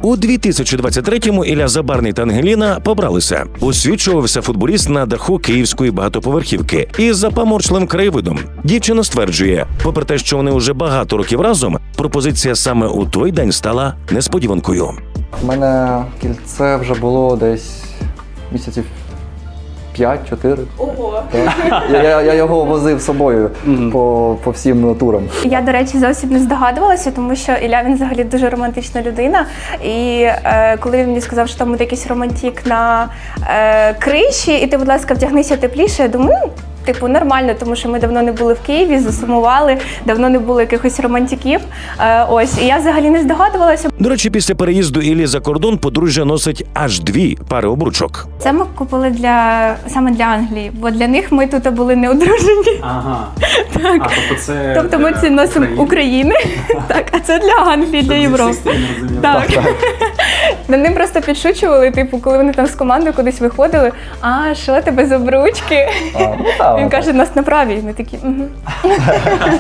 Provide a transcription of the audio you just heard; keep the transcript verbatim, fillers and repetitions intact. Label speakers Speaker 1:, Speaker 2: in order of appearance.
Speaker 1: У дві тисячі двадцять третьому Ілля Забарний та Ангеліна побралися. Освічувався футболіст на даху київської багатоповерхівки із запаморчливим краєвидом. Дівчина стверджує, попри те, що вони вже багато років разом, пропозиція саме у той день стала несподіванкою.
Speaker 2: У мене кільце вже було десь місяців п'ять-чотири.
Speaker 3: Ого!
Speaker 2: Я, я, я його возив з собою по, по всім турам.
Speaker 3: Я, до речі, зовсім не здогадувалася, тому що Ілля, він взагалі дуже романтична людина. І е, коли він мені сказав, що там буде якийсь романтик на е, криші, і ти, будь ласка, вдягнися тепліше, я думаю, ну, типу, нормально, тому що ми давно не були в Києві, засумували, давно не було якихось романтиків. Е, ось, і я взагалі не здогадувалася.
Speaker 1: До речі, після переїзду Іллі за кордон подружжя носить аж дві пари обручок.
Speaker 3: Це ми купили для, саме для Англії, бо для них ми тут були не одружені.
Speaker 4: Ага.
Speaker 3: Так.
Speaker 4: А, тобто це
Speaker 3: Тобто ми
Speaker 4: для
Speaker 3: це носимо України, так, а це для Англії, для Європи. Так. Над ним просто підшучували, типу, коли вони там з командою кудись виходили, а що тебе з обручки?
Speaker 2: А, ну, так,
Speaker 3: Він
Speaker 2: так.
Speaker 3: каже, нас на правій. Ми такі, угу.